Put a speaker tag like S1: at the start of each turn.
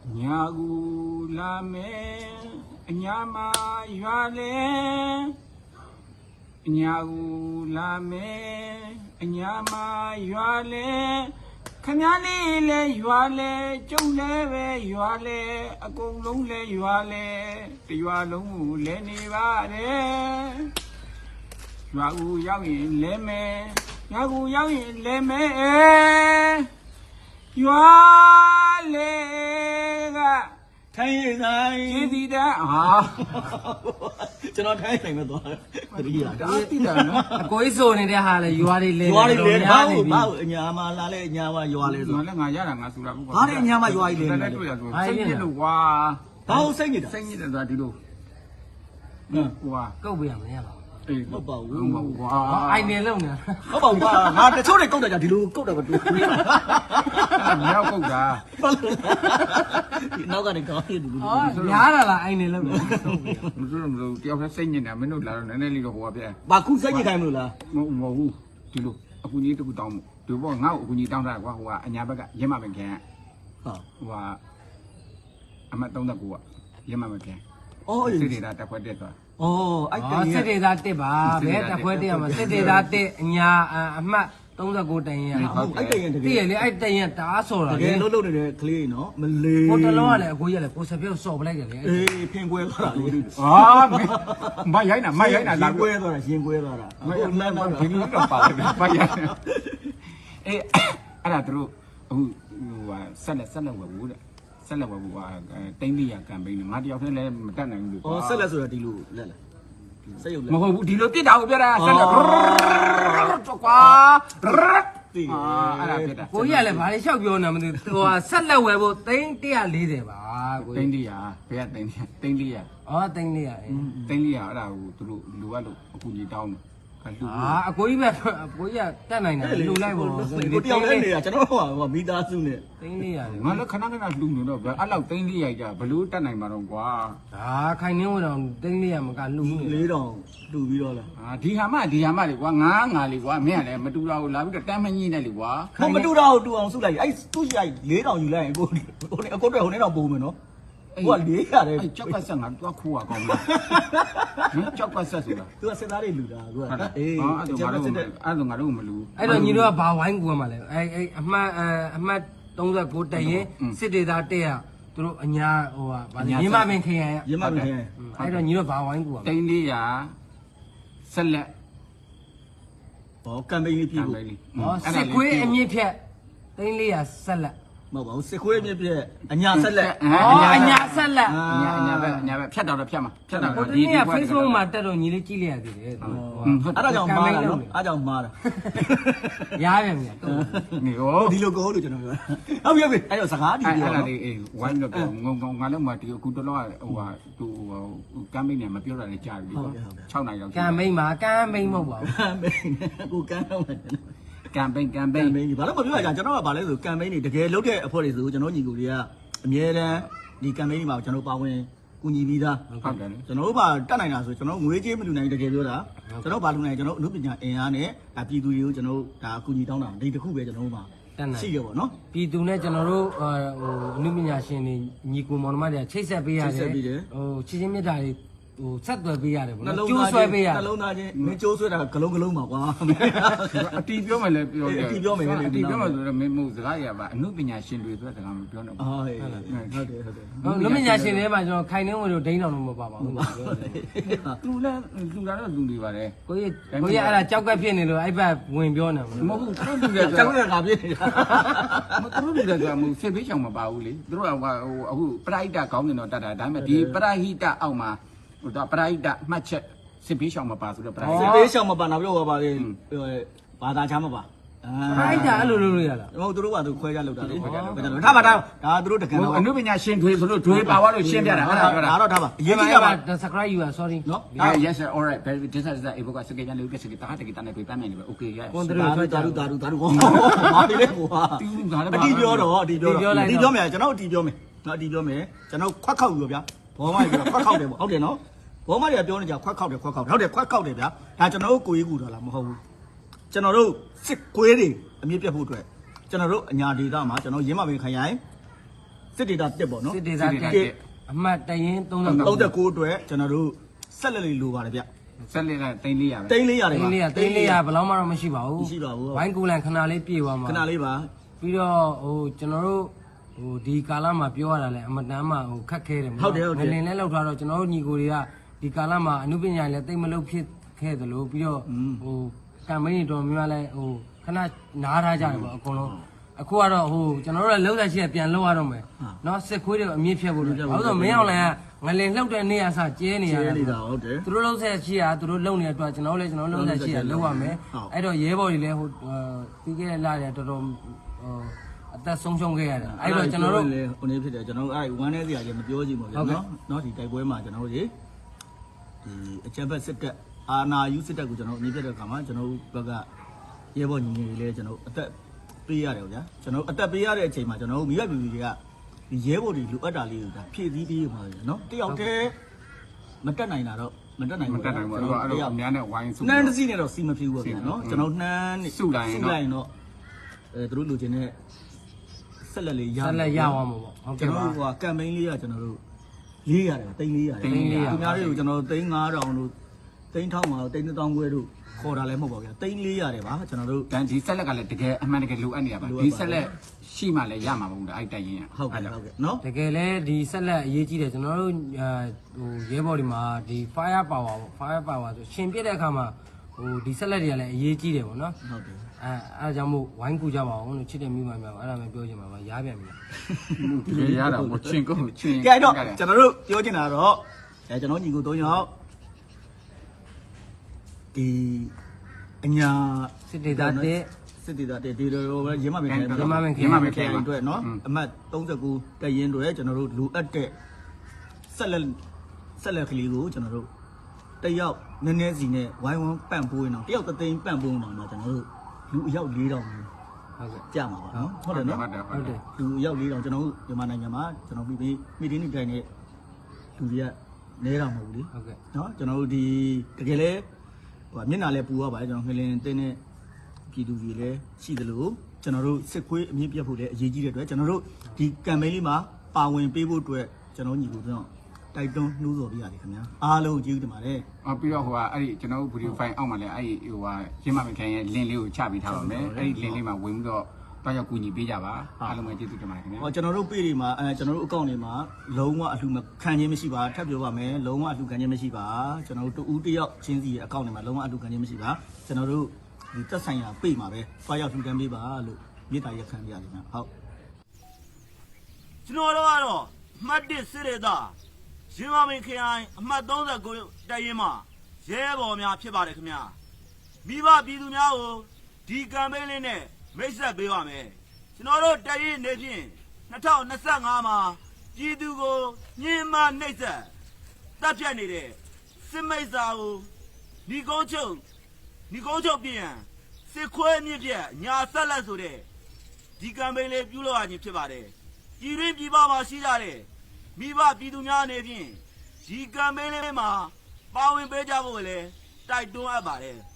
S1: Nyagu lame nyama yuale Nyagu lame nyama yuale Kanyali le yuale Chungle ve yuale Akulung le yuale Yualung le nivare Nyagu yawi leme Nyagu yawi leme Yuale
S2: Thay này
S1: gì đó hả
S2: cho nó thấy này mà tôi đi à
S3: cô ấy rồi này đây hà là vừa đi lên
S2: bao nhà mà là lên nhà mà vừa lên rồi
S1: nó ngày giá là ngày sura cũng
S2: có đấy nhà mà vừa lên
S1: sinh nhật đủ qua
S2: bao sinh nhật
S1: là đi đâu qua
S3: câu biển này hả
S2: có bầu
S3: anh đến lâu nè
S2: có bầu qua mà cái số này câu này thì luôn câu này mà
S1: nhau câu ra
S2: nó cái này có
S3: giá là anh đến lâu
S1: rồi tiêu phải sinh như nào mới nói là nó nên đi đồ hoa vậy
S2: bà cũng sinh như thế mà là
S1: ngô đi luôn aku ni tu tao tu bao ngao aku ni tao ra qua hoa anh nhà bác ạ dễ mà mình kẹt và anh mà tao ra qua dễ mà mình kẹt
S2: ôi
S1: thế thì là tập quay đẹp rồi
S3: စစ်ဒေသတစ်ပါဘဲတက်ခွဲတရမှာစစ်ဒေသတစ်အညာအမှတ်39တန်ရတည့်ရလေအဲ့တန်ရတအားဆော်တာ
S2: တကယ်လုံးနေတဲ့ကလေးနော်မလေး
S3: ဟိုတလုံးကလည်းအကိုကြီးကလည်းကိုစပြုတ်ဆော်ပလိုက်တယ်လေ
S2: အေးဖင်ကွဲသွားတာလေ
S1: မရိုင်းတာလာ
S2: ကွဲသွားတာရင်ကွဲသွားတာ
S1: မဒီလိုတော့ပါလေမရိုင်းအေးအဲ့ဒါတို့အခုဟိုဆက်လက်ဝယ်ဘူးတဲ့ဆက်လက်ဝယ်ဘူးဟာတိုင်းပြည်ကမ်ပိန်းငါတယောက်တည်းလည်းမတက်နိုင်ဘူးလို့
S2: ဆက်လက်ဆိုတာဒီလိုလက်လက်ဆက်ရုပ်လက်
S1: မဟုတ်ဘူးဒီလိုပြစ်တာကိုပြောတာဆက်လက်ကွာအဲ့ဒါပြစ်တာ
S3: ကိုကြီးကလည်းဘာလို့လျှောက်ပြောနေမသိဟိုဆက်လက်ဝယ်ဖို့340ပါကို
S1: တိ
S3: ကြီး
S1: န်း100ဘယ်ကတိန်း100
S3: 340
S1: တိန်း100အဲ့ဒါကိုသူတို့လူကလို့အခုကြီးတောင်းတယ်လူ
S3: အကိုကြီးပဲအကိုကြီးကတက်နိုင်တယ်လူလိုက်ပါတော့
S2: ကိုတယောက်လည်းနေတာကျွန်တော်ဟိုမိသားစုနဲ့
S3: 340
S1: ငါလည်းခဏလူနေတော့အဲ့လောက်တိန်း100ကြဘလို့တက်နိုင်မှာတော့ကွာ
S3: ဒါခိုင်နေဝင်တော့340မကလူနေ
S2: 4000တူပြီးတော့လား
S1: ဒီဟာမလေကွာငါလေကွာမင်းကလည်းမတူတော့ဘူးလာပြီးတော့တမ်းမညိနဲ့လေကွာ
S2: မတူတော့တူအောင်စုလိုက်အဲ့သူ့ရှိလိုက်4000ယူလိုက်ရင်ကိုအကိုတော့ဟိုနေတော့ပုံမယ်နော်ကိုက400တယ်
S1: ကြောက်ကဆက်ငါတော့ခိုးရကောင်းလားကြောက်ကဆက်ဆိုတာ
S2: သူကစစ်သားတွေလူတာကိုက
S1: အေးအဲ့ဒါငါတို့မလူ
S3: အဲ့တော့ညီတို့ကဘာဝိုင်းကူရမှာလဲအဲ့အမှတ်39တရင်စစ်ဒေသတက်ရသူတို့အညာဟိုဗာရင်းမပင်ခရိုင်
S2: ရင်းမမခင်
S3: အဲ့တော့ညီတို့ဘာဝိုင်းကူရမှာ
S1: တိန်း400ဆက်လက်
S2: ဟောကမ်ပိန်းလေးပြ
S1: ကံ
S2: ဖို့
S1: ပဲလေ
S3: ဟောစစ်ခွေးအမြင့်ဖြတ်340ဆက်လက်
S2: မဟုတ်ပါဘူးစစ်ခွေးအမြင့်ပြအညာဆက်လက်
S3: အညာဆက်လက်
S1: ညာပဲဖြတ်တော့ဖြတ်မှာဖြတ်တော့
S3: ဟိုတနေ့က Facebook မှာတက်တော့ညီလေးကြည့်လိုက်ရသေးတယ်
S2: အဲ့ဒါကြောင့်မှားတာနော်အဲ့ကြောင့်မှားတာ
S3: ရားပြန်ပြီ
S1: နေရော
S2: ဒီလိုကိုလို့ကျွန်တော်ပြောဟုတ်ပြီအဲ့တော့စကားဒီပြော
S1: အဲ့ဒါလေးဝိုင်းတော့ငုံငါလည်းမတီအခုတလောဟိုဟာသူကမ်းမိတ်နေမပြောတာလည်းကြားပြီကွာ6နိုင်တော့
S3: ကံမိန်မှာကံမိန်မဟုတ်ပါဘူး
S2: ကမ်ပိန်းကိုကမ်းတော့မယ်
S1: ကမ်ပိန်း
S2: ကမ်ပိန်းဘာလို့မပြောရကြကျွန်တော်ကဘာလဲဆိုကမ်ပိန်းတွေတကယ်လုပ်တဲ့အဖွဲ့တွေဆိုကျွန်တော်ညီကိုတွေကအမြဲတမ်းဒီကမ်ပိန်းတွေမှာကျွန်တော်ပါဝင်ကူညီပြီးသား
S1: ဟုတ်တယ်
S2: ကျွန်တော်တို့ဘာတက်နိုင်တာဆိုကျွန်တော်ငွေကြေးမလူနိုင်တကယ်ပြောတာကျွန်တော်ဘာလူနိုင်ကျွန်တော်အမှုပညာအင်အားနဲ့ဒါပြည်သူတွေကိုကျွန်တော်ဒါကူညီတောင်းတာဒီတစ်ခုပဲကျွန်တော်တို့မှာရှိရပါတော့နော်
S3: ပြည်သူနဲ့ကျွန်တော်တို့ဟိုအနုပညာရှင်တွေညီကိုမောင်နှမတွေချိတ်ဆက်ပေးရတယ်ဟိုချစ်ချင်းမြတ်တာတွေဟိုဆက်သွယ်ပေးရတယ်ဗောနော်ကျိုးဆွဲပေးရတယ်
S2: နှလုံးသားချင်းမင်းကျိုးဆွဲတာဂလုံးပါကွာ
S1: အတီးပြောမယ်လည်းပြောတယ်
S2: အတီးပြောမယ်
S1: ဆိုတော့မင်းမို့စကားရပါအမှုပညာရှင်တွေဆိုတဲ့စကားမပြောတော့ဘူး
S2: ဟုတ်တယ်
S3: လူပညာရှင်တွေမှာကျွန်တော်ခိုင်နှင်းဝင်တို့ဒိန်းတော်တော့မပါပါဘူး
S1: သူလည်းသူကတော့သူတွေပါတယ်
S3: ကိုကြီးအဲ့ဒါကြောက်ကက်ဖြစ်နေလို့အဲ့ဘက်ဝင်ပြောနေမှာ
S1: မဟုတ်ဘူးသူတို့
S2: ကျောင်းကငါပြည့်နေတာ
S1: သူတို့တွေကမဟုတ်ဆေးပေးချောင်မပါဘူးလေသူတို့ကအခုပရိဒတ်ကောင်းနေတော့တတ်တာဒါပေမဲ့ဒီပရိဟိတအောက်မှာဟိုတော့ပရိဒတ်မှတ်ချက်ဆေးပေးချောင်မပါဆိုတော့ပရိ
S2: စစ်ပေးရှောင်မပါနောက်ပြောပါလေဘာသာချမ်းမပါ
S3: အဲ့ဒါအဲ့လိုလုပ်လို့ရလား
S2: ဟုတ်သူတို့ကသူခွဲကြလောက်တာလေထားပါဒါသူတို့တကယ်တော့
S1: အနုပညာရှင်တွေဆိုလို့ဒွေပါသွားလို့ရှင်းပြတာအဲ့ဒါပြောတာ
S2: ဒါတော့ထားပါအရင်
S3: ဒီ
S2: ကြီးက
S3: မှာ
S2: ပါ
S3: subscribe you are sorry
S2: နော်
S1: yes sir all right this is that ဘကစကေကြလို့ကစကေတာတကေတနဲ့ပြပန်းနေတယ် okay yes
S3: ကွန်ထ
S2: ဒါ
S3: ရိုး
S2: တို့
S3: ထွက်ကြ
S2: ဒါတို့မာဒီလေးကွာအတီးပြောတော့အတီးပြောမယ်ကျွန်တော်အတီးပြောမယ်နော်အတီးပြောမယ်ကျွန်တော်ခွက်ခောက်ယူဗျာဘောမကြီးခွက်ခောက်တယ်ပေါ့ဟုတ်တယ်နော်ဘောမကြီးပြောနေကြခွက်ခောက်တယ်ဟုတ်တယ်ခွက်ခောက်တယ်ဗျာဒါကျွန်တော်တို့ကိုကြီးကူတော့လားမဟုတ်ဘူးကျွန်တော်တို့စစ်ကွေးတွေအမြင့်ပြတ်ဖို့အတွက်ကျွန်တော်တို့အညာဒေတာမှာကျွန်တော်ရင်းမပင်ခရိုင်စစ်ဒေတာတက်ပေါ့နော်
S3: စစ်ဒေသအမှတ်တရင်39
S2: 39အတွက်ကျွန်တော်တို့ဆက်လက်လေးလိုပါတယ်ဗျ
S1: ဆက်လက်ကတိန်း400ပဲ
S2: တိန်း400တယ်ပါ
S3: တိန်း400ဘယ်လောက်မှတော့မရှိပါဘူး
S2: မရှိပါဘူး
S3: ဝိုင်းကူလန်ခဏလေးပြေသွားမှာ
S2: ခဏလေးပါ
S3: ပြီးတော့ကျွန်တော်တို့ဒီကာလမှာပြောရတာလဲအမတန်မှခက်ခဲတယ်ငလင်လဲလောက်ထားတော့ကျွန်တော်တို့ညီကိုတွေကဒီကာလမှာအမှုပညာလည်းတိတ်မလုပ်ဖြစ်ခဲ့သလိုပြီးတော့ကမ်ပိန်းတော်များလဲခဏနားထားကြတယ်ပေါ့အကုန်လုံးအခုကတော့ကျွန်တော်တို့လည်းလုံးသက်ရှိရပြန်လောက်ရတော့မယ်နော်စစ်ခွေးတွေအမြင့်ဖြတ်ဖို့လို့ဘာလို့ဆိုမင်းအောင်လည်းငလင်လှုပ်တဲ့နေရာစကျဲနေရတာ
S2: ဟုတ်တယ်
S3: သူတို့လုံးဆက်ရှိရသူတို့လုံနေတဲ့အတွက်ကျွန်တော်လည်းလုံးဆက်ရှိရလောက်ရမယ်အဲ့တော့ရဲဘော်တွေလည်းပြီးခဲ့တဲ့လတွေတော်တော်အသက်ဆုံးရှုံးခဲ့ရတယ်အဲ့တော့ကျွန်တော်တို့
S2: ဟိုနေဖြစ်တယ်ကျွန်တော်တို့အဲ့ဝမ်းနေစရာကြီးမပြောကြည့်ပါဘူးနော်ဒီတိုက်ပွဲမှာကျွန်တော်တို့ဒီအချက်ဘက်စစ်တပ်အာနာယူစစ်တပ်ကိုကျွန်တော်အနေပြတဲ့အခါမှာကျွန်တော်တို့ဘက်ကရဲဘော်ညီငယ်တွေလည်းကျွန်တော်အသက်ပေးရတယ်ဗျာကျွန်တော်အသက်ပေးရတဲ့အချိန်မှာကျွန်တော်တို့မိဘပြည်သူတွေကဒီရဲဘော်တွေလိုအပ်တာလေးကိုဒါဖြည့်ဆည်းပေးမှာနော်တယောက်တည်းမတက်နိုင်တာတော့မတက်နိုင်ဘူး
S1: မတက်နိုင်ဘူးအဲ့တော့အများနဲ့ဝိုင်းစု
S2: နှမ်းတစ်စီးနဲ့တော့စီမဖြူဘူးဗျာနော်ကျွန်တော်နှမ်း
S1: စုလိုက်ရင်တော့
S2: သူတို့လူချင်းနဲ့ဆက်လက်လေးရ
S3: ဆက်လက်ရအောင်ပေါ့ဟုတ်
S2: ကျွန်
S3: ကဲ့
S2: တော်
S3: ပါ
S2: တို့ကကမ်ပိန်းလေးကကျွန်တော်တို့400တယ်တိန်း400တယ်သူများတွေကိုကျွန်တော်တို့တိန်း9000တို့တိန်း1000မှာတိန်း1000ခွဲတို့ခေါ်တာလည်းမဟုတ်ပါဘူးဗျာတိန်း400တယ်ပါကျွန်တော်တို့
S1: တန်ဒီဆက်လက်ကလည်းတကယ်အမှန်တကယ်လိုအပ်နေတာပါဒီဆက်လက်ရှိမှလည်းရမှာမဟုတ်ဘူးအဲ့တိုက်ရင်
S2: ဟုတ်ကဲ့ဟုတ်ကဲ့နော်
S3: တကယ်လဲဒီဆက်လက်အရေးကြီးတယ်ကျွန်တော်တို့ရဲဘော်တွေမှာဒီ fire power ပေါ့ fire power ဆိုရှင်ပြတဲ့အခါမှာဒီဆက်လက်တွေကလည်းအရေးကြီးတယ်ပေါ့နော်
S2: ဟုတ်တယ်
S3: အဲဒါကြောင့်မို့ဝိုင်းကူကြပါအောင်လို့ချစ်တဲ့မိမများအဲ့ဒါမှပြောချင်ပါပါရားပြန်ပြီ
S1: တကယ်ရတာမချင်းကုန်ချင်း
S2: ကဲတော့ကျွန်တော်တို့ပြောချင်တာတော့ကျွန်တော်ညီကို3ယောက်ဒီအညာ
S3: စစ်ဒေသတဲ့
S2: စစ်ဒေသတဲ့ဒီလိုပဲရင်းမပင်ခိုင်
S3: ရင်းမပင်ခိုင်
S2: အတွက်နော်အမှတ်39တရင်တွေကျွန်တော်တို့လူအပ်တဲ့ဆက်လက်ကလေးကိုကျွန်တော်တို့တယောက်နည်းနည်းစီနဲ့ဝိုင်းဝန်းပန့်ပိုးနေတော့တယောက်သိန်းပန့်ပိုးနေတော့ကျွန်တော်တို့လူအယောက်4000
S3: ဟုတ်ကဲ့
S2: ကြာမှာပါနော်ဟုတ်တယ်နော်
S1: ဟုတ်တယ်
S2: လူအယောက်4000ကျွန်တော်တို့မြန်မာနိုင်ငံမှာကျွန်တော်ပြီးမိတင်းနေတိုင်းနဲ့လူတွေကနဲတာမဟုတ်ဘူးလေ
S3: ဟုတ်ကဲ့
S2: နော်ကျွန်တော်တို့ဒီတကယ်လဲမျက်နှာလဲပူရပါတယ်ကျွန်တော်ငလင်တင်းတဲ့ပြည်သူတွေလည်းရှိသလိုကျွန်တော်တို့စစ်ခွေးအမြင့်ပြတ်ဖို့လည်းအရေးကြီးတဲ့အတွက်ကျွန်တော်တို့ဒီကမ်ပိန်းလေးမှာပါဝင်ပေးဖို့အတွက်ကျွန်တော်ညီကိုတို့တိုက်တွန်းနှိုးဆော်ပြရတယ်ခင်ဗျာအားလုံးကျေးဇူးတင်ပါတယ်
S1: ပြီးတော့အဲ့ဒီကျွန်တော်တို့ဗီဒီယိုဖိုင်အောက်မှာလည်းအဲ့ဒီရင်းမမခိုင်ရဲ့ link လေးကိုချပေးထားပါမယ်အဲ့ဒီ link လေးမှာဝင်ပြီးတော့တော့ရောက်ကူညီပေးကြပါအားလုံးပဲကျေးဇူးတင်ပါတယ်ခင်ဗျာ
S2: ဟောကျွန်တော်တို့ page တွေမှာကျွန်တော်တို့ account တွေမှာလုံးဝအလှခံခြင်းမရှိပါထပ်ပြောပါမယ်လုံးဝအလှခံခြင်းမရှိပါကျွန်တော်တို့တူဦးတယောက်ချင်းစီရဲ့ account တွေမှာလုံးဝအလှခံခြင်းမရှိပါကျွန်တော်တို့ဒီသက်ဆိုင်ရာ page မှာပဲသွားရောက်လှူဒန်းပေးပါလို့မြေတားရက်ခံပြရတယ်ခင်ဗျဟုတ်
S4: ကျွန်တော်တို့ကတော့အမှတ်1စစ်ဒေသရင်းမမင်းခရိုင်အမှတ်39တရင်မှာရဲဘော်များဖြစ်ပါတယ်ခင်ဗျာမိဘပြည်သူများကိုဒီကမ်ပိန်းလေးနဲ့မိတ်ဆက်ပေးပါမယ်ကျွန်တော်တို့တရင်နေဖြင့်2025မှာပြည်သူကိုညှဉ်းပန်းနှိပ်စက်တပ်ဖြတ်နေတဲ့စစ်မိတ်စာကိုညီကုန်းချုပ်ပြင်စစ်ခွဲမြင့်ပြက်ညာဆက်လက်ဆိုတဲ့ဒီကမ်ပိန်းလေးပြုလုပ်ရခြင်းဖြစ်ပါတယ်ပြည်တွင်းပြည်ပမှာရှိကြတဲ့မိဘပြည်သူများအနေဖြင့်ဒီကမ်ပိန်းလေးမှာပါဝင်ပေးကြဖို့လည်းတိုက်တွန်းအပ်ပါတယ်